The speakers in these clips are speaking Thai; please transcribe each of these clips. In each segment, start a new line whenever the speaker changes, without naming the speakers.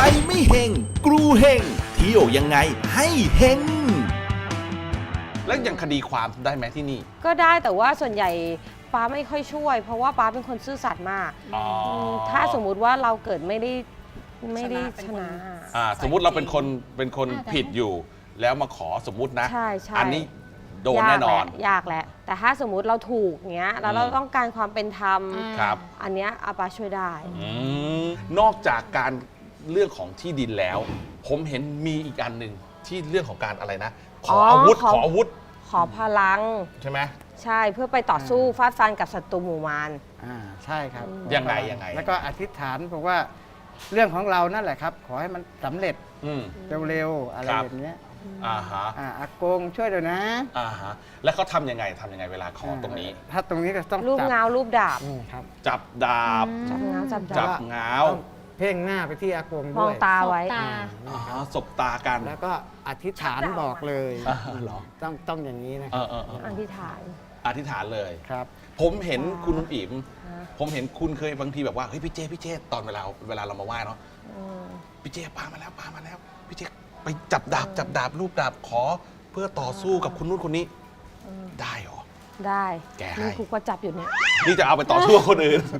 ไม่เฮงกรูเฮงเที่ยวยังไงให้เฮง
แล้วอย่างคดีความได้ไหมที่นี่
ก็ได้แต่ว่าส่วนใหญ่ป้าไม่ค่อยช่วย เพราะว่าป้าเป็นคนซื่อสัตย์มาก
อ๋อ
ถ้าสมมุติว่าเราเกิดไม่ได้ชนะ
สมมุติเราเป็นคนผิดอยู่ แล้วมาขอสมมุตินะ
ใช่ใช่
อันนี้โดนแน่นอน
ยากแหละแต่ถ้าสมมุติเราถูกเงี้ยแล้วเราต้องการความเป็นธรรม
ครับ
อันเนี้ยอาป้าช่วยได้
นอกจากการเรื่องของที่ดินแล้ว ผมเห็นมีอีกอันหนึ่งที่เรื่องของการอะไรนะ ขออาวุธ ขออาวุธ
ขอพลัง
ใช่ไหม
ใช่เพื่อไปต่อสู้ฟาดฟันกับศัตรูหมู่มาร
ใช่ครับ
ยังไง
แล้วก็อธิษฐานบอกว่าเรื่องของเรานั่นแหละครับ ขอให้มันสำเร็จ
อืม
เร็วๆอะไร
ครับ
แบบเนี้ย
อ่าฮะ
อากงช่วยด้วยนะ
อ่าฮะแล้วเขาทำยังไงเวลาขอตรงนี้
ถ้าตรงนี้ก็ต้อง
รูป
จับ
เงารูปดาบ
ครับ
จับดาบ
จับเงาจับ
จั
ดา
บบ เงา
ต้องเพ่งหน้าไปที่อากง
ม
ด้
อง
วย
ตาไว้
ตา
อ๋อสบตากัน
แล้วก็อธิษฐานบอกเลย
เหรอ
ต้องอย่างนี้นะค
เอ
รับ
อ
อธิษฐาน
อธิษฐานเลย
ครับ
ผมเห็นคุณนุ่มอิ๋ม
ฮะ
ผมเห็นคุณเคยบางทีแบบว่าเฮ้ยพี่เจตอนเวลาเรามาไหว้เนาะ
อืม
พี่เจปามาแล้วพี่เจไปจับดาบรูปดาบขอเพื่อต่อสู้กับคุณนู่นคนนี้ ได้เหรอ
ได้
แกให้
นี่ครูก็จับอยู่เนี่ย
นี่จะเอาไปต่อสู้กับคนอื่น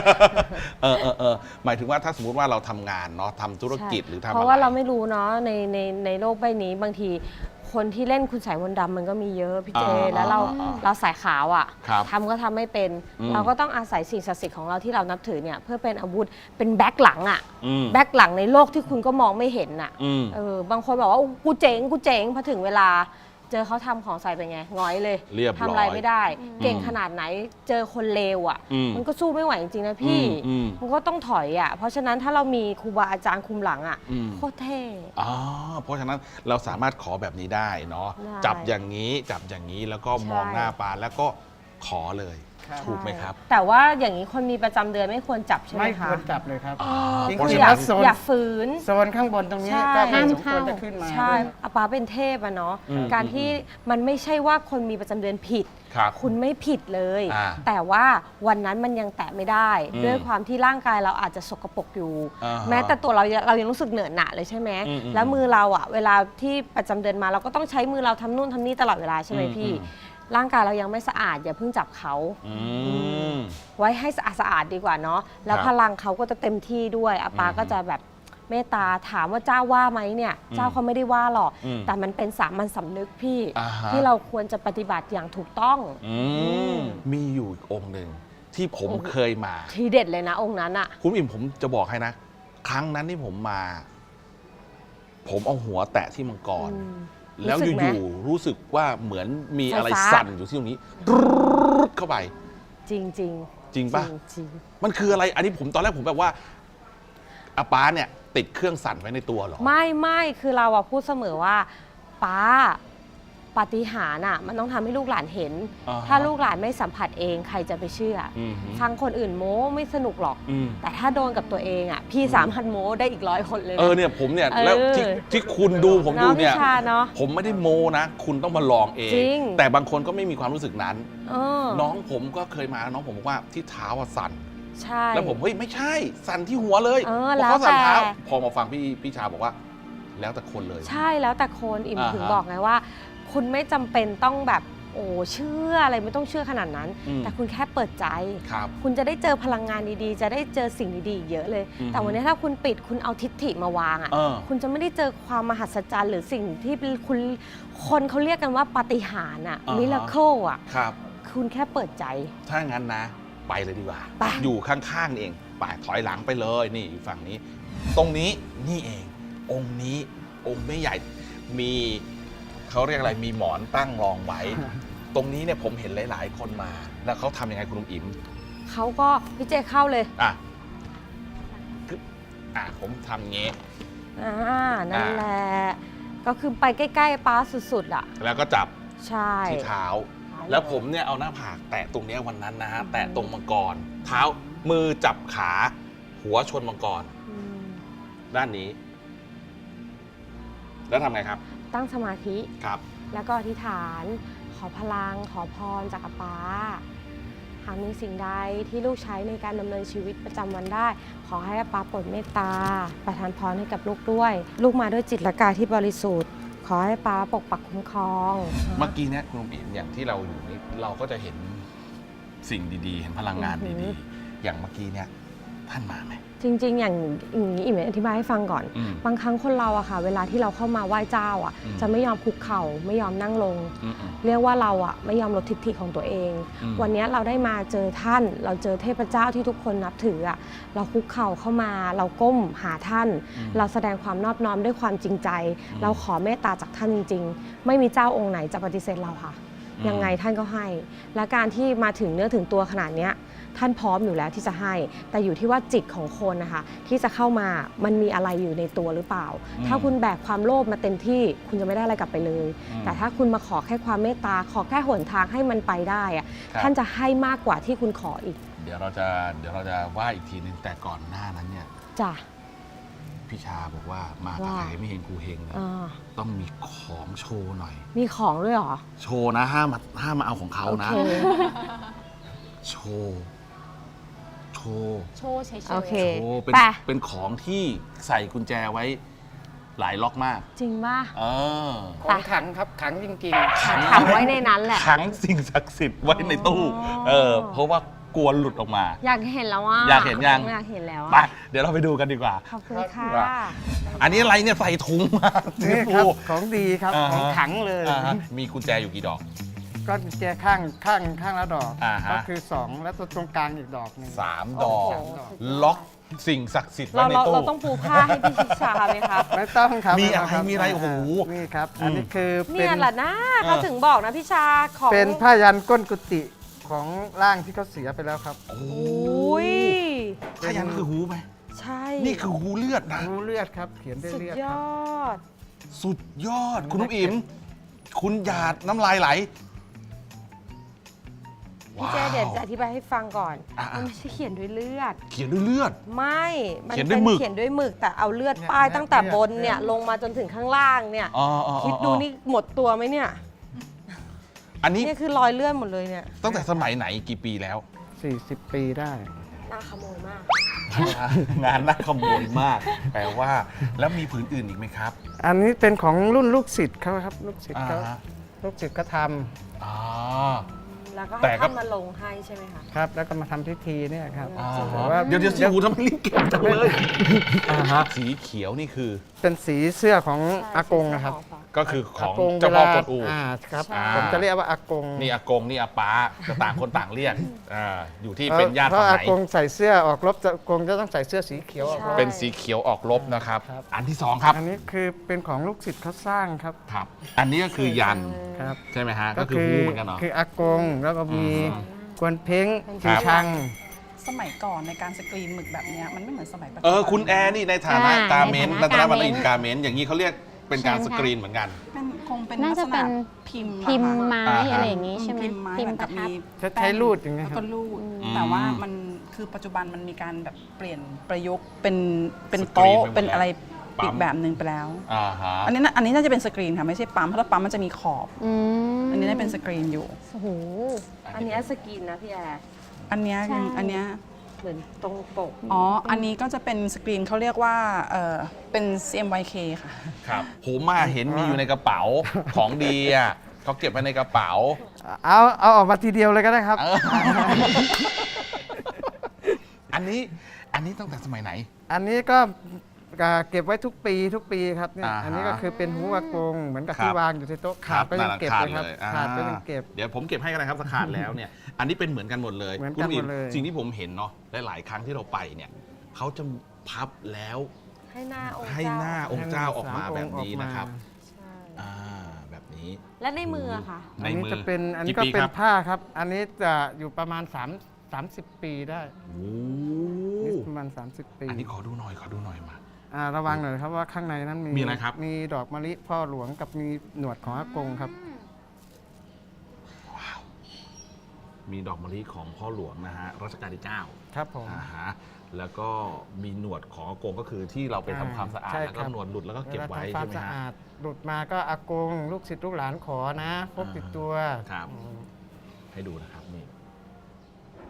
หมายถึงว่าถ้าสมมติว่าเราทำงานเนาะทำธุรกิจหรือทำอะไร
เพราะว่าเราไม่รู้เนาะในโลกใบนี้บางทีคนที่เล่นคุณสายมนต์ดำมันก็มีเยอะพี่เจ แล้วเราสายขาวอ่ะ
ครับ
ทำก็ทำไม่เป็น
อืม
เราก็ต้องอาศัยสิ่งศักดิ์สิทธิ์ของเราที่เรานับถือเนี่ยเพื่อเป็นอาวุธเป็นแบ็คหลังอ่ะ
อืม
แบ็คหลังในโลกที่คุณก็มองไม่เห็นอ่ะ
อืม
บางคนบอกว่าโอ้กูเจ๋งพอถึงเวลาเจอเขาทำของใส่เป็นไงหงอยเลย
เรียบร้อย
ทำอะไรไม่ได้ เก่งขนาดไหนเจอคนเลวอ่ะ
อืม
มันก็สู้ไม่ไหวจริงๆนะพี่
อืม
มันก็ต้องถอยอ่ะ เพราะฉะนั้นถ้าเรามีครูบาอาจารย์คุมหลังอ่ะ
อืม
โคตรเท่
อ๋อเพราะฉะนั้นเราสามารถขอแบบนี้ได้เนาะ
ได้
จับอย่างนี้แล้วก็มองหน้าปานแล้วก็ขอเลย
ครับ
ถูกไหมครับ
แต่ว่าอย่างนี้คนมีประจำเดือนไม่ควรจับใช่ไหม
ไม่
คะ
ควรจับเลยครับ
อ๋อ
จริง
เพราะ
ๆ
ฉะ
อย่า
นั้น
โซน
อย่าฝืน
โซนข้างบนตรงนี้
ใช่
ก็ไม่
ห้าม
สมควร
เข้า
จะขึ้นมา
ใช่
ด้วย
อาปาเป็นเทพอะเนาะ
อืม
การที่มันไม่ใช่ว่าคนมีประจำเดือนผิด
ครับ
คุณไม่ผิดเลย
อ่า
แต่ว่าวันนั้นมันยังแตะไม่ได้
อืม
ด้วยความที่ร่างกายเราอาจจะสกปรกอยู่
อ่าฮะ
แม้แต่ตัวเรายังรู้สึกเหนอะหนะเลยใช่ไหม
อืม
แล้วมือเราอะเวลาที่ประจำเดือนมาเราก็ต้องใช้มือเราทำนู่นทำนี่ตลอดเวลาใช่ไหมพี่ ร่างกายเรายังไม่สะอาดอย่าเพิ่งจับเขา
อืม
ไว้ให้สะอาดดีกว่าเนาะแล้ว
ครับ
พลังเขาก็จะเต็มที่ด้วยอาปา
อืม
ก็จะแบบเมตตาถามว่าเจ้าว่าไหมเนี่ยเจ้าเขาไม่ได้ว่าหรอก
อืม
แต่มันเป็นสามัญสำนึกพี่
อ่าฮะ
ที่เราควรจะปฏิบัติอย่างถูกต้อง
มีอยู่อีกองค์หนึ่งที่ผมเคยมา
ทีเด็ดเลยนะองค์นั้นอะ
คุณอิ่มผมจะบอกให้นะ ครั้งนั้นที่ผมมา ผมเอาหัวแตะที่มังกร
อืม
แล้ว
รู้สึกไหม
อยู่ๆรู้สึกว่าเหมือนมีอะไร
ไฟฟ้า
สั่นอยู่ที่ตรงนี้ดเข้าไป
จริงจริง
จริงปะ
จริง
มันคืออะไร อันนี้ผมตอนแรกผมแบบว่าอาป้าเนี่ย ติดเครื่องสั่นไว้ในตัวเหรอ
ไม่คือเราอะพูดเสมอว่าป้าปาฏิหาริย์อะมันต้องทำให้ลูกหลานเห็น
อ่าฮะ
ถ้าลูกหลานไม่สัมผัสเองใครจะไปเชื่ออ
อืมฮึ
ฟังคนอื่นโม้ไม่สนุกหรอก
อืม
แต่ถ้าโดนกับตัวเองอ่ะ พี่สามพันโม้ได้อีก100 คนเลยนะ
เนี่ยผมเนี่ย
เออ
แล้วที่คุณดูผมดู
เนาะ
เนี่ย
พี่ชาเนาะ
ผมไม่ได้โมนะ คุณต้องมาลองเอง
จริง
แต่บางคนก็ไม่มีความรู้สึกนั้น
เออ
น้องผมก็เคยมาน้องผมบอกว่าที่เท้าอะสั่น
ใช่
แล้วผมเฮ้ยไม่ใช่ สั่นที่หัวเลย
เออ
พราะเขาสั่น
แล้วแต่
เท้าพอมาฟังพี่ชาบอกว่า แล้วแต่คนเลย
ใช่แล้วแต่คนอิ่ม
อ่าฮะ
ถึงบอกไงว่า คุณไม่จำเป็นต้องแบบโอ้เชื่ออะไรไม่ต้องเชื่อขนาดนั้น
อืม
แต่คุณแค่เปิดใจ
ครับ
คุณจะได้เจอพลังงานดีๆ จะได้เจอสิ่งดีๆอีกเยอะเลย
อืม
แต่วันนี้ถ้าคุณปิดคุณเอาทิฏฐิมาวางอ่ะ
เออ
คุณจะไม่ได้เจอความมหัศจรรย์หรือสิ่งที่คุณคนเขาเรียกกันว่าปาฏิหาริย์อ่ะ
อ่าฮะ
มิราเคิลอ่ะ
ครับ
คุณแค่เปิดใจ
ถ้างั้นนะ ไปเลยดีกว่า
ไป
อยู่ข้างๆนี่เองไปถอยหลังไปเลยนี่อยู่ฝั่งนี้ ตรงนี้นี่เอง องค์นี้องค์ไม่ใหญ่มีเขาเรียกอะไรมีหมอนตั้งรองไว้ ตรงนี้เนี่ยผมเห็นหลาย ๆ คนมา แล้วเขาทำยังไงคุณลุงอิ๋ม
เขาก็พี่เจเข้าเลย
อ่ะคือผมทำงี้
นั่นแหละ ก็คือไปใกล้ๆป้าสุดๆอ่ะ
แล้วก็จับ
ใช่
ที่เท้า แล้วผมเนี่ยเอาหน้าผากแตะตรงเนี้ยวันนั้นนะฮะแตะตรงมังกร เท้ามือจับขาหัวชนมังกร
อืม
ด้านนี้ แล้วทำไงครับ
ตั้งสมาธิ
ครับ
แล้วก็อธิษฐาน ขอพลัง ขอพรจากอาป้าหากมีสิ่งใดที่ลูกใช้ในการดำเนินชีวิตประจำวันได้ ขอให้อาป๊าโปรดเมตตาประทานพรให้กับลูกด้วย ลูกมาด้วยจิตและกายที่บริสุทธิ์ ขอให้ป๊าปกปักคุ้มครอง
เมื่อกี้เนี่ยคุณอิ๋มอย่างที่เราอยู่นี่เราก็จะเห็นสิ่งดีๆ เห็นพลังงานดีๆ อย่างเมื่อกี้เนี่ยท่านมาไหม
จริงๆ อย่างนี้อิ่มอธิบายให้ฟังก่อน บางครั้งคนเราอะค่ะเวลาที่เราเข้ามาไหว้เจ้าอะจะไม่ยอมคุกเข่าไม่ยอมนั่งลง เรียกว่าเราอะไม่ยอมลดทิฐิของตัวเอง วันนี้เราได้มาเจอท่าน เราเจอเทพเจ้าที่ทุกคนนับถืออะเราคุกเข่าเข้ามาเราก้มหาท่าน เราแสดงความนอบน้อมด้วยความจริงใจ เราขอเมตตาจากท่านจริงๆ ไม่มีเจ้าองค์ไหนจะปฏิเสธเราค่ะยังไงท่านก็ให้ และการที่มาถึงเนื้อถึงตัวขนาดนี้ท่านพร้อมอยู่แล้วที่จะให้ แต่อยู่ที่ว่าจิตของคนนะคะที่จะเข้ามามันมีอะไรอยู่ในตัวหรือเปล่า ถ้าคุณแบกความโลภมาเต็มที่คุณจะไม่ได้อะไรกลับไปเลย แต่ถ้าคุณมาขอแค่ความเมตตาขอแค่หนทางให้มันไปได้อะท่านจะให้มากกว่าที่คุณขออีก
เดี๋ยวเราจะว่าอีกทีนึงแต่ก่อนหน้านั้นเนี่ย
จ้ะ
พี่ชาบอกว่ามากับใครไม่เห็นกูเฮงเนี่ยต้องมีของโชว์หน่อย
มีของด้วยเหรอ
โชว์นะห้ามมาเอาของเขานะ
โอเค
โชว์
เฉย
โอเค
โชว์
ไป
เป็นของที่ใส่กุญแจไว้หลายล็อกมาก
จริงป่ะ
ของขังครับขังจริงๆ
ขังไว้ในนั้นแหละ
ขังสิ่งศักดิ์สิทธิ์ไว้ในตู้เพราะว่ากลัวหลุดออกมา
อยากเห็นแล้วอ่ะ
อยากเห็นยัง
อยากเห็นแล้ว
ไป
อ่ะ
เดี๋ยวเราไปดูกันดีกว่า
ขอบคุณค่ะ
อันนี้อะไรเนี่ยใส่ถุงมา
นี่ครับของดีครับ
อ่าฮะ
ของขังเลย
มีกุญแจอยู่กี่ดอก
ก็กุญแจข้างละดอก
อ่าฮะ
ก็คือ 2 แล้วตัวตรงกลางอีกดอกหนึ่ง
3 ดอก
โอ้โห
ล็อกสิ่งศักดิ์สิทธิ์ไว้
เรา
ใน
เรา
ตู้
เราต้องปูผ้าให้พี่ชิชาไหมคะ
ไม่ต้องครับ
มีอะไร
คบ
มีอะไรโอ้โห
นี่ครับ อันนี้คือเป็
เนี่ย
น
แหละนะเขาถึงบอกนะพี่ชาของ
เป็นผ้ายันก้นกุฏิของร่างที่เขาเสียไปแล้วครับ
โอ้
อุ้ย
พยันคือหูไหม
ใช่
นี่คือหูเลือดนะ
รู้เลือดครับ เขียนด้วย
สุด
เลือด
ย
ครับ
อด
สุดยอด คุณนุ๊กอิ๋มคุณหยาดน้ำลายไหล
พี่เจเดี๋ยวจะอธิบายให้ฟังก่อน
อ่ะ
มันไม่ใช่เขียนด้วยเลือด
เขียนด้วยเลือด
ไม่มั
เขียนด้
เป็
วย
น
หมึก
เขียนด้วยหมึกแต่เอาเลือดป้าย
เนี่ย
ตั้งแต่บน
เนี่
เนี่ย
ย
ลงมาจนถึงข้างล่างเนี่ย
อ๋อ
คิดดูนี่หมดตัวไหมเนี่ย
อันนี้
เนี่ยคือรอยเลือดหมดเลยเนี่ย
ตั้งแต่สมัยไหนกี่ปีแล้ว
40 ปีได้
น่าขโมยมาก
งานน่าขโมยมาก แปลว่า แล้วมีผืนอื่นอีกไหมครับ
อันนี้เป็นของรุ่นลูกศิษย์เขาครับ ลูกศิษย์เขา
อ่าฮะ
ลูกศิษย์ก็ท
อ๋อ
แล้วก็
แต่
ให้
ก็
ท่านมาลงให้ใช่ไหมคะ
ำครับ แล้วก็มาทำพิธีเนี่ยครับ
อ๋อ
แต่ว่า
เดี๋ยวสิหูทำไมรีบเก็บจังเลยสีเขียวนี่คือ
เป็นสีเสื้อของอากงนะครับ
ก็คือของ
กง
เจ้าพ่อกวนอู
ครับ
ใช่
ผมจะเรียกว่าอากง
นี่อากงนี่อาป้าจะต่างคนต่างเรียกอยู่ที่เป็นญาติ
เพ
ฝั่
ราะ
ง
อา
ไหน
กงใส่เสื้อออกรบอากงจะต้องใส่เสื้อสีเขียวออกรบ
เป็นสีเขียวออกรบนะครับ
ครับ
อันที่สองครับ
อันนี้คือเป็นของลูกศิษย์เขาสร้างครับ
ครับ อันนี้ก็คือยัน
ครับ
ใช่ไหมฮะ ก็คือหูเหมือนกันเนาะ
คืออากงแล้วก็มี
อืม
กวนเพ้ง
ครั
ชี
บ
ชัง
สมัยก่อนในการสกรีนหมึกแบบเนี้ยมันไม่เหมือนสมัยปัจจุ
เอ
บั
อคุณแอร์นี่ในฐานะ
อ่า
การเมนต์
ใน
ใน
ฐา
ฐา
นะ
นะวรรณอินทร์การเมนต์อย่างนี้เขาเรียกเป็นการ
ใช่
ส
ไหมคะ
กรีนเหมือนกัน
คงเป็น
น่า
ลัก
จะ
ษ
เป็
ณะ
น
พิมพ์
พิมพ์
นะคะ
ไม้
อ่าฮะ
อะไรอย่างนี้ใช่ไหม
พิมพ์ไม้
พิม
เหมื
พ์
อน
ป
กั
ระ
บ
ทั
มี
บ
ใช้รูดอย่างเงี้ย
แล้ว
ค
ก็
รับ
รูด
อืม
แต่ว่ามันคือปัจจุบันมันมีการแบบเปลี่ยนประยุกต์เป็น
สกรีน
โต๊ะ
ไปหมด
เป็นอะไร
ปั๊ม
อีกแบบหนึ่งไปแล้ว
อ่าฮะ
อันนี้น่าจะเป็นสกรีนค่ะไม่ใช่ปั๊มเพราะถ้าปั๊มมันจะมีขอบ
อืม
อันนี้น่าเป็นสกรีนอยู่
โอ้โห อันเนี้ยสกินนะพี่แอร์
อันเนี้ย
ใช่
อันเนี้ย
เหมือนตรงปก
อ๋ออันนี้ก็จะเป็นสกรีนเขาเรียกว่าเป็น CMYK ค่ะ
ครับผมมาเห็นมีอยู่ในกระเป๋าของดีอ่ะเขาเก็บไว้ในกระเป๋า
เอาออกมาทีเดียวเลยก็ได้ครับ
เออ อันนี้ตั้งแต่สมัยไหน
อันนี้ก็เก็บไว้ทุกปีครับเนี่ย
อ่าฮะ
อันนี้ก็คือเป็นหูอากงเหมือนกับ
ครับ
ที่วางอยู่ที่โต๊ะขาดก็ยังเก็บเลยครับขาดก็ยังเก็บ
เดี๋ยวผมเก็บให้กันนะครับสขาดแล้วเนี่ย อันนี้เป็นเหมือนกันหมดเลย
เหมือนกัน
คุณอิ๋
หมดเลย
สิ่งที่ผมเห็นเนาะหลายๆครั้งที่เราไปเนี่ยเขาจะพับแล้ว
ให้หน้าองค์
ให้หน้า
เจ้า
องค์เจ้าออกมา
สาม
แบ
อง
บ
ค์
นี้
ออกมา
นะครับ
ใช่
อ่าแบบนี้
และในมืออะคะ
ใน
อันนี้
มือ
จะเป็นอันนี้
กี่
ก็
ปี
เป็น
ครับ
ผ้าครับ อันนี้จะอยู่ประมาณ30 ปีได้
โอ้
นี่ประมาณ30 ปี
อันนี้ขอดูหน่อยมา
ระวังหน่อยครับว่าข้างในนั้น
มีอะไรครับ
มีดอกมะลิพ่อหลวงกับมีหนวดของอากงครับ
ว้าว มีดอกมะลิของพ่อหลวงนะฮะรัชกาลที่ 9
ครับผม
ฮะแล้วก็มีหนวดของอากงก็คือที่เราไปทำความสะอาด
ใช่
แล้วก็
ครับ
หนวดหลุดแล้วก็เก็บไว้
วลาทำควา
ใช่
ม
ไหม
สะ
ฮะ
อาดหลุดมาก็อากง ลูกศิษย์ลูกหลานขอนะพกติดตัว
ครับ
อืม
ให้ดูนะครับนี่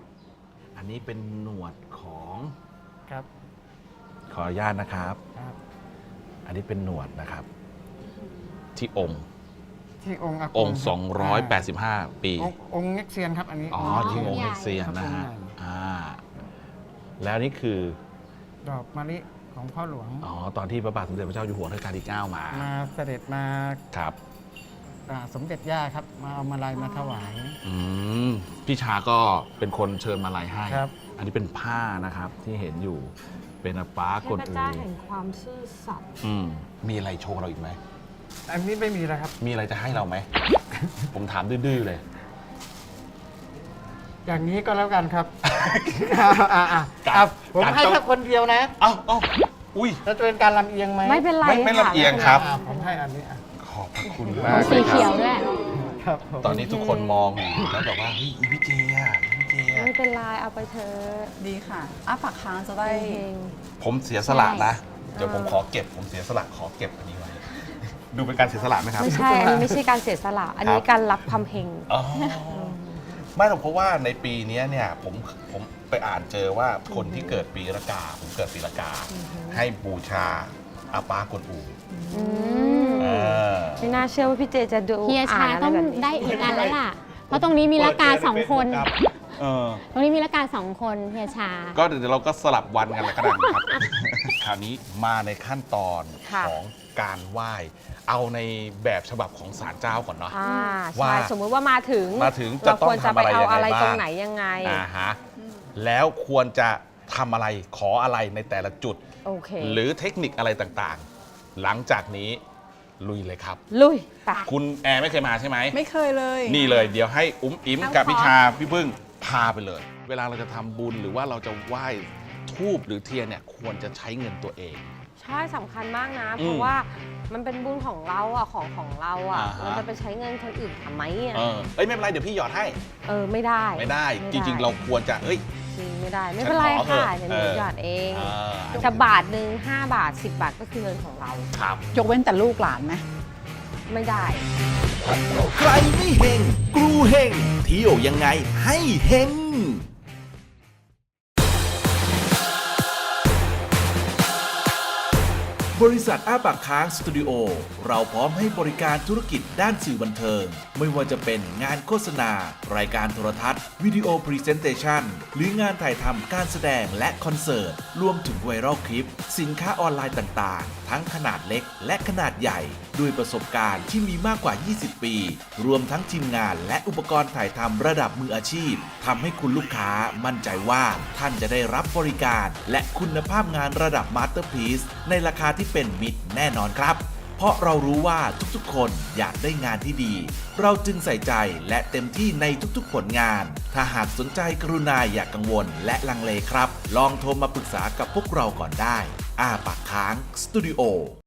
อันนี้เป็นหนวดของ
ครับ
ขออนุญาตนะครับ
ครับ
อันนี้เป็นหนวดนะครับ ที่องค์
ที่องค์อาก
องค์
ครับ
285 ปี
องค์เง็กเซียนครับอันนี้
อ๋อที่องค์เฮกเซียนนะฮะ
ครับองค์ใหญ่
อ่าแล้วนี่คือ
ดอกมะลิของพ่อหลวง
อ๋อตอนที่พระบาทสมเด็จพระเจ้าอยู่หัวรัชกาลที่ 9 มา
มาเสด็จมา
ครับ
สมเด็จย่าครับ มาเอามาลัยมาถวาย
อืมพี่ชาก็เป็นคนเชิญมาลัยให้
ครับ
อันนี้เป็นผ้านะครับที่เห็นอยู่เป็นอาป้ากด
เทพ
อู
เจ้าแห่งความซื่อสัตย์
มีอะไรโชว์เราอีกไหม
อันนี้ไม่มีแล้วครับ
มีอะไรจะให้เราไหม ผมถามดื้อๆเลย
อย่างนี้ก็แล้วกันครับ
การ
ครับผม
การ
ให้
ต้อง
แค่คนเดียวนะ
เอ้าอุ้ย
แล้วจะเป็นการลำเอียงไหม
ไม่เป็นไร
ไม่
ค่ะ
ลำเอียงครับ
ผมให้อันนี้อ่ะ
ขอบพระคุณมากเล
สี
ยค
เขีย
รั
ว
บ
ด้วย
ครับผม
ตอนนี้ทุกคนมองอยู่แล้วแบบว่าเฮ้ยอีพี่เจอ่ะพี่เจอ่ะ
ไม่เป็นไรเอาไปเถอะ
ดีค่ะอ้าปากค้างจะได้
เฮง
ผมเสียสละนะ
ใช่
เดี๋ยวผมขอเก็บ ผมเสียสละขอเก็บอันนี้ไว้ ดูเป็นการเสียสละไหมครับ
ไม่ใช่ อันนี้ไม่ใช่การเสียสละ อันนี้การรับความเฮง
อ๋อไม่หรอกเพราะว่าในปีนี้เนี่ยผมไปอ่านเจอว่าคนที่เกิดปีละกา ผมเกิดปีละกา ให้บูชาอาปากวนอู
อืม
เออ
ไม่น่าเชื่อว่าพี่เจจะดู
เฮีย
อ่า
ชาน
อะไร
ต้อง
แบบนี้
ได้อีกอันแล้วล่ะ เพราะตรงนี้มีละกาสองคน
เออ
ตรงนี้มีละกาสองคนเฮียชา
ก็เดี๋ยวเราก็สลับวันกันแล้วก็ได้ครับ คราวนี้มาในขั้นตอน
ค่ะ
ของการไหว้ เอาในแบบฉบับของศาลเจ้าก่อนเนาะ
อ่า
ว่า
ใช่สมมุติว่ามาถึง
จะ
เรา
ต้อ
ค
ง
วรจะ
ทำ
ไป
อะไร
เอา
ยังไง
อะไร
บ้าง
ตรงไหนยังไง
ฮะแล้วควรจะทำอะไรขออะไรในแต่ละจุด
โอเค
หรือเทคนิคอะไรต่างๆ หลังจากนี้ลุยเลยครับ
ลุยไป
คุณแอร์ไม่เคยมาใช่ไหม
ไม่เคยเลย
นี่เลยเดี๋ยวให้อุ้มอิ๋ม
เอา
กับ
ขอ
พี่ชาพี่พึ่งพาไปเลย เวลาเราจะทำบุญหรือว่าเราจะไหว้ทูบหรือเทียนเนี่ยควรจะใช้เงินตัวเอง
ใช่สำคัญมากนะ
อืม
เพราะว่ามันเป็นบุญของเราอ่ะของเราอ่ะ
อ่าฮะ
เราจะไปใช้เงินคนอื่นทำไมอ่ะ
เอ้ยไม่เป็นไรเดี๋ยวพี่หยอดให้
ไม่ได้
ไม่ได้ จริง ๆ เราควรจะเอ้ย
จริงไม่ได้ ไม่เป็นไร
ฉันขอเถอะ
ค่ะเดี๋ยวหนูหยอดเอง
อ่า
จะบาทหนึ่ง5 บาท 10 บาทก็คือเงินของเรา
ครับ
ยกเว้นแต่ลูกหลานไหม
ไม่ได้
ใครไม่เฮงกรูเฮงเที่ยวยังไงให้เฮงบริษัทอ้าปากค้างสตูดิโอเราพร้อมให้บริการธุรกิจด้านสื่อบันเทิง ไม่ว่าจะเป็นงานโฆษณา รายการโทรทัศน์ วิดีโอพรีเซนเตชันหรืองานถ่ายทำการแสดงและคอนเสิร์ต รวมถึงไวรัลคลิป สินค้าออนไลน์ต่างๆ ทั้งขนาดเล็กและขนาดใหญ่ ด้วยประสบการณ์ที่มีมากกว่า 20 ปี รวมทั้งทีมงานและอุปกรณ์ถ่ายทำระดับมืออาชีพทำให้คุณลูกค้ามั่นใจว่าท่านจะได้รับบริการ และคุณภาพงานระดับมาสเตอร์พีซในราคาที่เป็นมิตรแน่นอนครับ เพราะเรารู้ว่าทุกๆคนอยากได้งานที่ดี เราจึงใส่ใจและเต็มที่ในทุกๆผลงาน ถ้าหากสนใจกรุณาอย่ากกังวลและลังเลครับ ลองโทรมาปรึกษากับพวกเราก่อนได้อ้าปากค้างสตูดิโอ